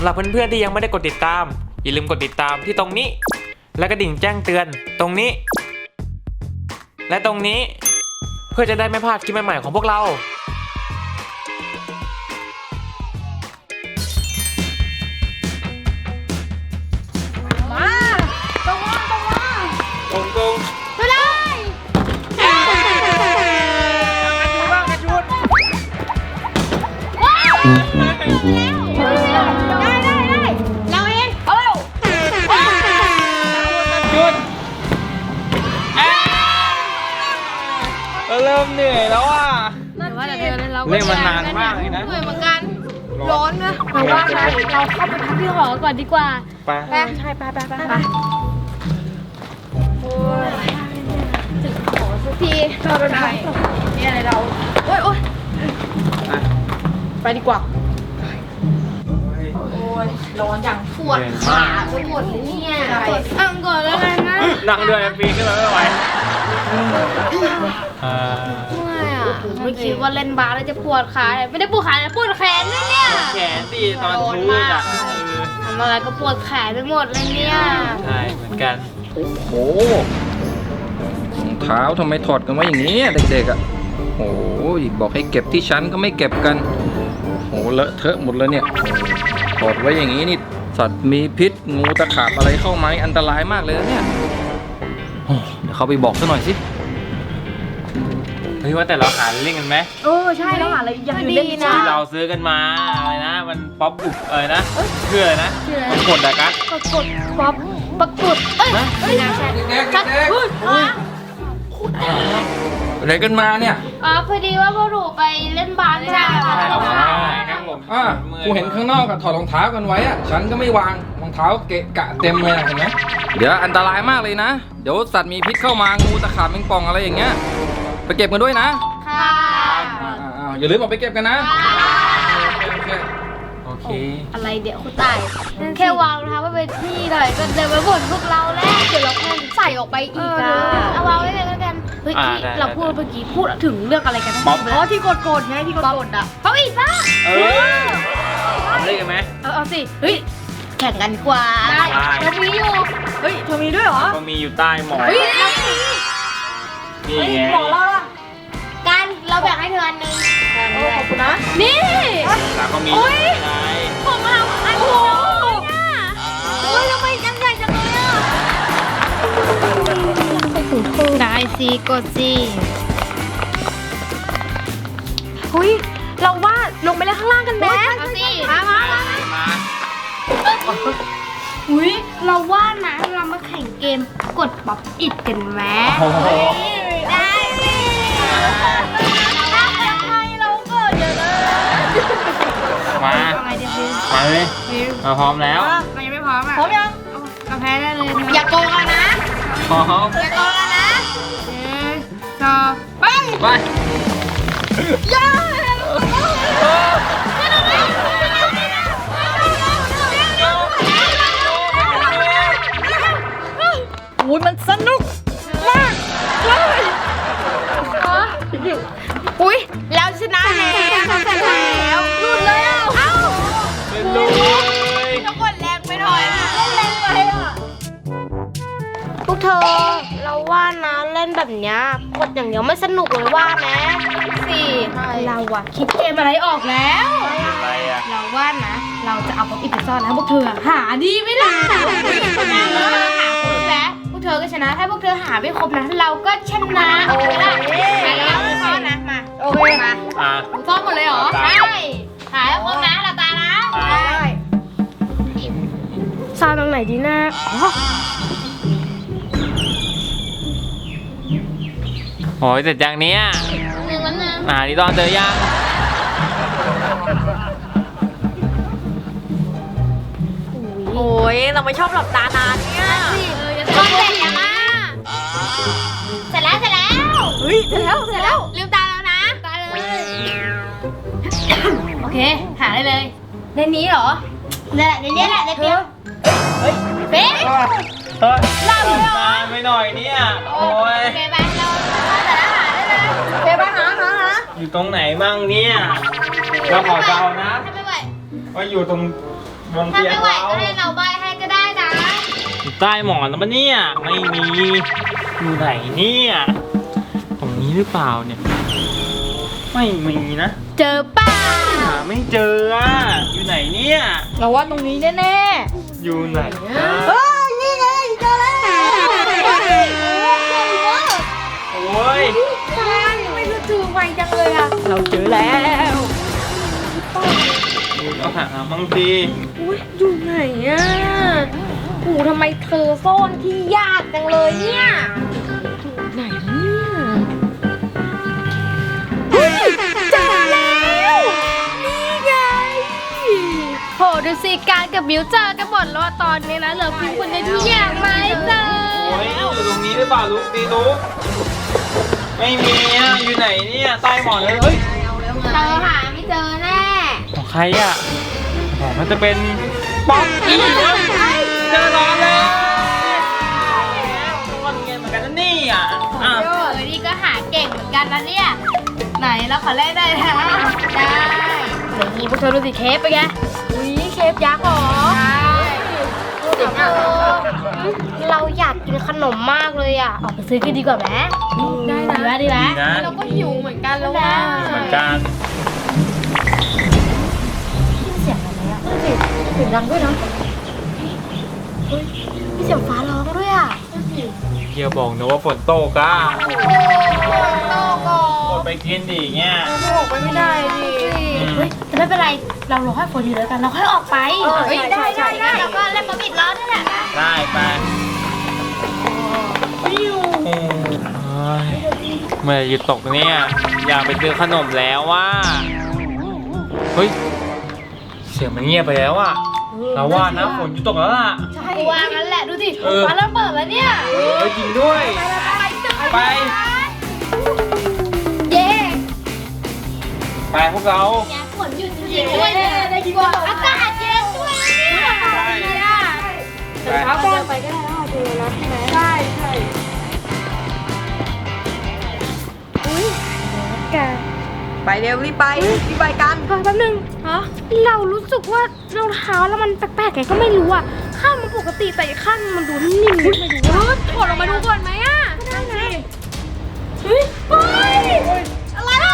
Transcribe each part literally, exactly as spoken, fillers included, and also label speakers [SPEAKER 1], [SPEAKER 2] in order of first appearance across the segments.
[SPEAKER 1] ำหรับเพื่อนๆที่ยังไม่ได้กดติดตามอย่าลืมกดติดตามที่ตรงนี้และกระดิ่งแจ้งเตือนตรงนี้และตรงนี้เพื่อจะได้ไม่พลาดคลิปใหม่ๆของพวกเรา
[SPEAKER 2] มาตรงมาตรงมา
[SPEAKER 1] ตรงตรง
[SPEAKER 2] ไปเลยกระชุนบ้างกระชุนว้าวได้ได้ได้เราเองเอาเร็ว
[SPEAKER 1] หยุดเริ่มเหนื่อยแล้วอ่ะ
[SPEAKER 2] แต่ว่าแต่เธอเรา
[SPEAKER 1] เล่นมานานมากเลยนะ
[SPEAKER 2] เหนื่อยเหมือนกันร้อนนะเราว่านะเราเข้าไปพักที่หอก่อนดีกว่า
[SPEAKER 1] ไป
[SPEAKER 2] ไปใช่ไปไปไปไปโอ้ยถึงหอสักทีเราไปไหนนี่อะไรเราโอ้ยโอ้ยไปดีกว่าโอ้ยร้อนจังปวดขาไปหมดเลยเนี่ยอังก่อนแล้วกันนะ
[SPEAKER 1] นั่งด้วยปีขึ้นมาไม่ไหวอ่า
[SPEAKER 2] ไม่อะไม่คิดว่าเล่นบาสแล้วจะปวดขาเลยไม่ได้ปวดขาแต่ปวดแขนด้วยเนี่ย
[SPEAKER 1] แขนสิตอนทูดอ่ะ
[SPEAKER 2] ทำอะไรก็ปวดแขนไปหมดเลยเนี่ย
[SPEAKER 1] ใช่เหมือนกัน
[SPEAKER 3] โอ้โหรองเท้าทำไมถอดกันไว้อย่างนี้อะเด็กๆอ่ะโอ้ยบอกให้เก็บที่ชั้นก็ไม่เก็บกันโอ้เลอะเทอะหมดเลยเนี่ยถอดไว้อย่างนี้นี่สัตว์มีพิษงูตะขาบอะไรเข้าไหมอันตรายมากเลยนะเนี่ยโอ้เดี๋ยวเขาไปบอกซะหน่อยสิ
[SPEAKER 1] เฮ้ยว่าแต่เราหาเล่นกันไหม
[SPEAKER 2] เออใช่แล้วหาอะไรยังเล่นนะ
[SPEAKER 1] ที่เราซื้อกันมาอะไรนะมันป๊อปอุบอะไรนะชื่ออะไรนะมันกดอะกัส
[SPEAKER 2] ปรากฏป๊อปปรากฏเอ้ยไม่น่าใช่
[SPEAKER 3] เด็กๆ
[SPEAKER 2] ชัด
[SPEAKER 3] เด็ก
[SPEAKER 2] พูดอ๋อ
[SPEAKER 3] ๆอะไรกันมาเนี่ย
[SPEAKER 2] อ๋อพอดีว่าพวกหนูไปเล่นบาสใช่
[SPEAKER 1] ใช่ครับผม
[SPEAKER 3] อ่ะกูเห็นข้างนอกอะถอดรองเท้ากันไว้อะฉันก็ไม่วางรองเท้าเกะกะเต็มเลยอะเห็นไหมเดี๋ยวอันตรายมากเลยนะเดี๋ยวสัตว์มีพิษเข้ามางูตะขาบแมงป่องอะไรอย่างเงี้ยไปเก็บกันด้วยนะ
[SPEAKER 2] ค่ะ
[SPEAKER 3] อ่าๆอย่าลืมออกไปเก็บกันนะโอเค
[SPEAKER 1] โอเค
[SPEAKER 2] อะไรเดี๋ยวคุณตายแค่วางรองเท้าไว้เป็นที่หน่อยก็เดินไปบ่นพวกเราแล้วเดี๋ยวเราแค่ใส่ออกไปอีกอ่ะเอาวางไว้เลยแล้วกันเฮ้ยที่เราพูดเมื่อกี้พูดถึงเรื่องอะไรกันนะอ๋อที่กดกดไงที่กดกดอ่ะเขาอีกป่ะ
[SPEAKER 1] เออเล่นกันไหม
[SPEAKER 2] เออเอาสิเฮ้ยแข่งกันกว่าได้เรามีอยู่เฮ้ยเธอมีด้วยเหรอ
[SPEAKER 1] ก็มีอยู่ใต้หมอน
[SPEAKER 2] เฮ้ยเรามี
[SPEAKER 1] นี่ไง
[SPEAKER 2] กันเราแบ่งให้เธออันนึงโอ้ขอบคุณนะนี่
[SPEAKER 1] แล้วก็มี
[SPEAKER 2] โอ๊ย
[SPEAKER 1] ไง
[SPEAKER 2] ของเราอันโหโอ้ยทำไมกันใหญ่จังเลยอ่ะได้สิกดสิหุ้ยเราว่าลงไปเล่นข้างล่างกันไหมเอาสิมามามา
[SPEAKER 1] มา
[SPEAKER 2] อุ้ยเราว่านะเรามาแข่งเกมกดป๊อปอิดกันไหม
[SPEAKER 1] โอ้โห
[SPEAKER 2] ได้สิทำไมเราเกิดอย่างนั้น
[SPEAKER 1] มา
[SPEAKER 2] ทำไมเดี๋ยว
[SPEAKER 1] มาเลยมาพร้อมแล้ว
[SPEAKER 2] เรายังไม่พร้อมอ่ะพร้อมยังเราแพ้ได้เลยอย่าโกงกันนะ
[SPEAKER 1] พร้อม
[SPEAKER 2] อย่าโกงกันนะหนึ่งสองไป
[SPEAKER 1] ไป
[SPEAKER 2] ย่าอุ้ยมันสนุกมากเลยอุ้ยแล้วชนะแล้วชนะแล้วหลุดเลยอ่ะเอ้า
[SPEAKER 1] เป็นลูกเลย
[SPEAKER 2] ต้องกดแรงไปหน่อยนะเล่นแรงไปอ่ะพวกเธอเราว่านะเล่นแบบเนี้ยกดอย่างเดียวไม่สนุกเลยว่าไหมสิเราอะคิดเกมอะไรออกแล้ว
[SPEAKER 1] อะไรอ่ะ
[SPEAKER 2] เราว่านะ เราจะเอาป๊อปอินไปซ่อนแล้วพวกเธอหาดีไม่ได้หาครบแล้วพวกเธอก็ชนะถ้าพวกเธอหาไม่ครบนะเราก็ชนะโอเคไหมเราไปซ่อนนะมาโอเคมา
[SPEAKER 1] อ่ะ
[SPEAKER 2] ซ่อนหมดเลยเหรอใช่หาให้ครบนะเราตานะได้ซ่อนตรงไหนดีนะอ๋อ
[SPEAKER 1] โอ้ยเสร็จอย่างเนี้ย
[SPEAKER 2] หนึ่งวันหนึ่ง
[SPEAKER 1] อ่านี่ตอนเจอยัง
[SPEAKER 4] โอ้ยเราไม่ชอบหลับตานานเนี่ย
[SPEAKER 2] ก็เสร็จยังอ่ะเสร็จแล้วเสร็จแล้ว
[SPEAKER 4] เฮ้ยเสร็จแล้วเสร็จแล้ว
[SPEAKER 2] ลืมตาแล้วนะตาเลยโอเคหาได้เลยในนี้เหรอนี่แหละในนี้แหละในเตียงเฮ้ยเป๊ะ
[SPEAKER 1] เฮ้ยนานไปหน่อยเนี่ยโอ้ย
[SPEAKER 2] โอเคไปเราแต่ละหาได้เลย
[SPEAKER 4] โอเคไปหาหาหา
[SPEAKER 1] อยู่ตรงไหนมั่งเนี่ยเราขอเดานะ
[SPEAKER 2] ทำไม่ไหว
[SPEAKER 1] ว่าอยู่ตรงบน
[SPEAKER 2] ถ้า
[SPEAKER 1] เตียง
[SPEAKER 2] ไม่ไหว
[SPEAKER 1] เรา
[SPEAKER 2] ก็ให้เราใบให้ก็ได้นะ
[SPEAKER 1] อยู่ใต้หมอนแล้วปะเนี่ยไม่มีอยู่ไหนเนี่ยตรงนี้หรือเปล่าเนี่ยไม่มีนะ
[SPEAKER 2] เจอป้า
[SPEAKER 1] หาไม่เจออ่ะอยู่ไหนเนี่ย
[SPEAKER 4] เราว่าตรงนี้แน่
[SPEAKER 1] อยู่ไหนนะ
[SPEAKER 4] ๆเฮ้ยนี่ไงเจอแล้ว
[SPEAKER 1] โอ้ย
[SPEAKER 4] ใช่ไม่รู้จือไวจังเลยอะเราเจอแล้ว
[SPEAKER 1] เอาหาบางที
[SPEAKER 4] อุ้ยอยู่ไหนอะโอ้ทำไมเธอซ่อนที่ยากจังเลยเนี่ยไหนเนี่ยเฮ้ยเจอแล้วนี่ไง
[SPEAKER 2] โหดูสิการกับมิวเจอกันหมดแล้วอะตอนนี้นะเหลือเพียงคนเดียวที่ยังไม่เจอ
[SPEAKER 1] โอ้ยอยู่ตรงนี้หรือเปล่าลูกดีลูกไม่มีอ่ะอยู่ไหนเนี่ยใต้หมอนเลยเฮ้ย
[SPEAKER 2] เจอหาไม่เจอแน่
[SPEAKER 1] ของใครอ่ะอ๋อมันจะเป็นป๊อกกี้เว้ยเจอร้านแล้วตัวเงินเหมือนกันนะนี่อ่ะอ่ะ
[SPEAKER 2] เออนี่ก็หาเก่งเหมือนกันนะเนี่ย ไหนเราขอแลกได้นะได้เดี๋ยวนี้พวกเธอดูสิเคปไปนไง
[SPEAKER 4] อุ้ยเคฟยักษ์เหรอ
[SPEAKER 2] ใช่เด็กเออเราอยากกินขนมมากเลยอ่ะ ออกไปซื้อกันดีกว่าไหม
[SPEAKER 4] ได้
[SPEAKER 2] ดีไหม
[SPEAKER 4] นะ
[SPEAKER 2] ดีไหม
[SPEAKER 1] ดีนะ
[SPEAKER 4] เราก็หิวเหมือนกันแล้วว่า
[SPEAKER 1] เหมือนกัน
[SPEAKER 2] เสียงอะไรอ่ะเสียงเสียงดังด้วยนะเฮ้ยมีเสียงฟ้าร้องด้วยอ่ะ
[SPEAKER 1] เฮียบอกนะว่าฝนตกอ่ะ
[SPEAKER 2] โตก่อ
[SPEAKER 1] อดไปกินดิเงี้ย
[SPEAKER 4] ออกไปไม่ได้ดิ
[SPEAKER 2] เฮ้ยแต่ไม่เป็นไร เรารอให้ฝนอยู่แล้วกัน เราค่อยออกไป
[SPEAKER 4] เออได้ได้ได้
[SPEAKER 2] เราก็เล่นบอมบิดล้อนั่นแหละ
[SPEAKER 1] ได้ไปโอ้ยเมื่อไหร่หยุดตกเนี่ยอยากไปซื้อขนมแล้วว่าเฮ้ยเสียงมันเงียบไปแล้วอ่ะเราว่านะฝนหยุดตกแล้วล่ะ
[SPEAKER 2] ใช่ว่างั้นแหละดูดิ
[SPEAKER 1] เออ
[SPEAKER 2] ฟ้าเริ่มเปิดแล้วเนี่ย
[SPEAKER 1] เฮ้ยจริงด้วย ไป
[SPEAKER 2] เย้
[SPEAKER 1] ไปพวกเรา
[SPEAKER 2] เนี่ยฝนหยุดจริงๆด้วยเนี่ยได้ยินว่าอากาศเย็นด้วยเนี่ย
[SPEAKER 1] ใช่
[SPEAKER 2] เดี๋ยวเช้าก่อนไปก็ได้แล้วเจอแล้วใช่ไหมใช่ใช่
[SPEAKER 4] ไปเร็วรีบไปรีบไปกัน
[SPEAKER 2] แป๊บนึงฮะเรารู้สึกว่ารองเท้าแล้วมันแปลกๆไงก็ไม่รู้อ่ะ ข้างมันปกติแต่อีกข้างมันดูนิ่มๆไม่รู้ว่าถอดออกมาดูก่อนไหมอ่ะได้ไงเฮ้ยเฮ้ยอะไรอ่ะ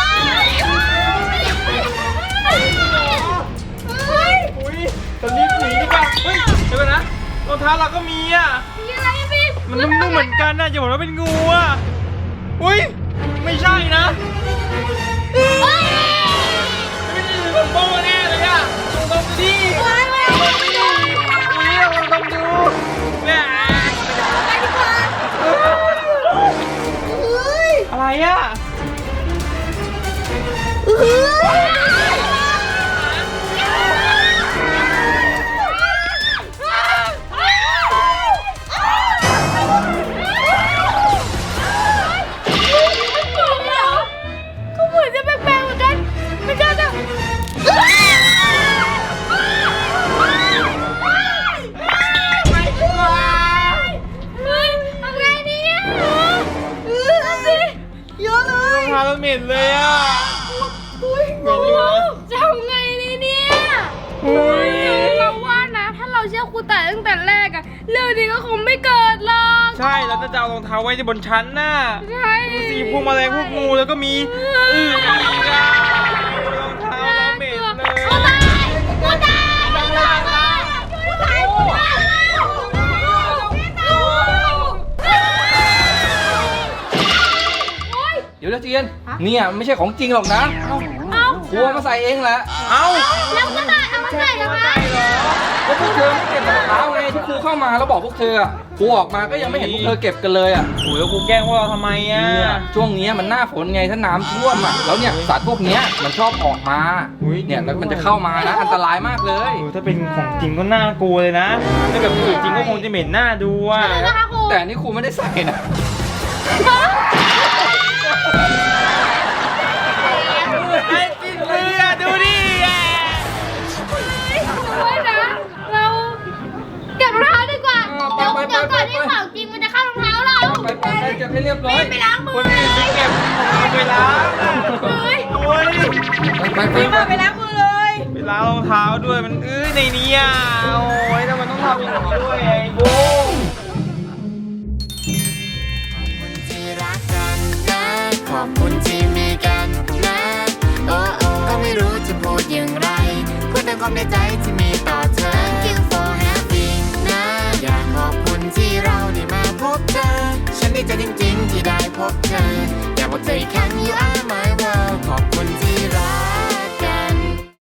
[SPEAKER 2] เฮ้ย
[SPEAKER 1] อุ้ยตอนนี้หนีดีกว่าเฮ้ยเดี๋ยวก่อนนะรองเท้าเราก็มีอ่ะ
[SPEAKER 2] มีอะไรอ่ะพี่
[SPEAKER 1] มันนุ่มๆเหมือนกันนะอย่าบอกว่าเป็นงูอ่ะอุ้ยไม่ใช่นะ
[SPEAKER 2] เฮ้ย
[SPEAKER 1] ไม่ใช่ผมโบ้แน่เลยอ่ะลองดมดิลองดมดิอุ้ยลองดมดูแม่อะไรอ่ะ
[SPEAKER 2] ก็เหมือนจะแปลกๆเหมือนกันไม่ใช่จะเฮ้ยทำไงเนี่ยเออสิเยอะเล
[SPEAKER 1] รอย งเท้าเราเหม็นเลยอ่ะเหม็นอยู่นะ
[SPEAKER 2] จะทำไงดีเนี่ย
[SPEAKER 1] เฮ้ย
[SPEAKER 2] เราว่านะ ถ้าเราเชื่อครูแต่ตั้งแต่แรกอะเรื่องนี้ก็คงไม่เกิดหรอก
[SPEAKER 1] ใช่แล้วจะเอารองเท้าไว้บนชั้นน่ะ
[SPEAKER 2] ใช่
[SPEAKER 1] ดูสิพวกแมลงพวกงูแล้วก็มีอืออีกอ่ะรองเท้าเราเหม็นเลย
[SPEAKER 2] ครูตายครูตายครูตายครูตายครูตาย
[SPEAKER 3] เดี๋ยวนะเจียนเนี่ยไม่ใช่ของจริงหรอกนะ
[SPEAKER 2] เอ้า
[SPEAKER 3] ครูเอามาใส่เองแหละ
[SPEAKER 1] เอ้า
[SPEAKER 2] แล้วก็ตายเอามาใส่ทำไม
[SPEAKER 3] ก็พวกเธอไม่เก็บรองเท้าไงที่ครูเข้ามาแล้วบอกพวกเธออะครูออกมาก็ยังไม่เห็นพวกเธอเก็บกันเลยอ่ะ
[SPEAKER 1] โอ้ยแล้วกูแกล้งพวกเราทำไมอ่ะ
[SPEAKER 3] เนี่ยช่วงเนี้ยมันหน้าฝนไงถ้าน้ำท่วมอ่ะแล้วเนี่ยสัตว์พวกเนี้ยมันชอบออกมาเนี่ยแล้วมันจะเข้ามานะอันตรายมากเลย
[SPEAKER 1] โอ้ยถ้าเป็นของจริงก็น่ากลัวเลยนะถ้าเกิดเป็นของจริงก็คงจะเหม็นหน้าดูอ่ะ
[SPEAKER 2] นะคะครู
[SPEAKER 3] แต่อันนี่ครูไม่ได้ใส่นะ
[SPEAKER 1] ไอ้กินเรือดูดิอ่ะ
[SPEAKER 2] ด้วยนะ เราเก็บรองเท้าดีกว่า เดี๋ยวเดี๋ยวก่อนที่ของจริงมันจะเข้ารองเท้าเรา
[SPEAKER 3] ไปไปไปเก็บให้เรียบร้อย
[SPEAKER 2] ไปล้างมื
[SPEAKER 1] ค
[SPEAKER 2] อน
[SPEAKER 1] อื่นไปเก็บเอาไปล้าง
[SPEAKER 2] เลย
[SPEAKER 3] ไปไปไป
[SPEAKER 4] รีบมาไปล้างมือเลย
[SPEAKER 1] ไปล้างรองเท้าด้วยมันอื้อในนี้อ่ะโอ้ยทำไมต้องทำอย่างนี้ด้วยไอ้บูม
[SPEAKER 5] ที่รักกันนะขอบคุณที่มีกันนะโอ้โอ้ก็ไม่รู้จะพูดอย่างไรพูดแต่ความในใจที่มีต่อเธอ Thank you for having นะอยากขอบคุณที่เราได้มาพบเธอฉันดีใจจริงๆที่ได้พบเธอ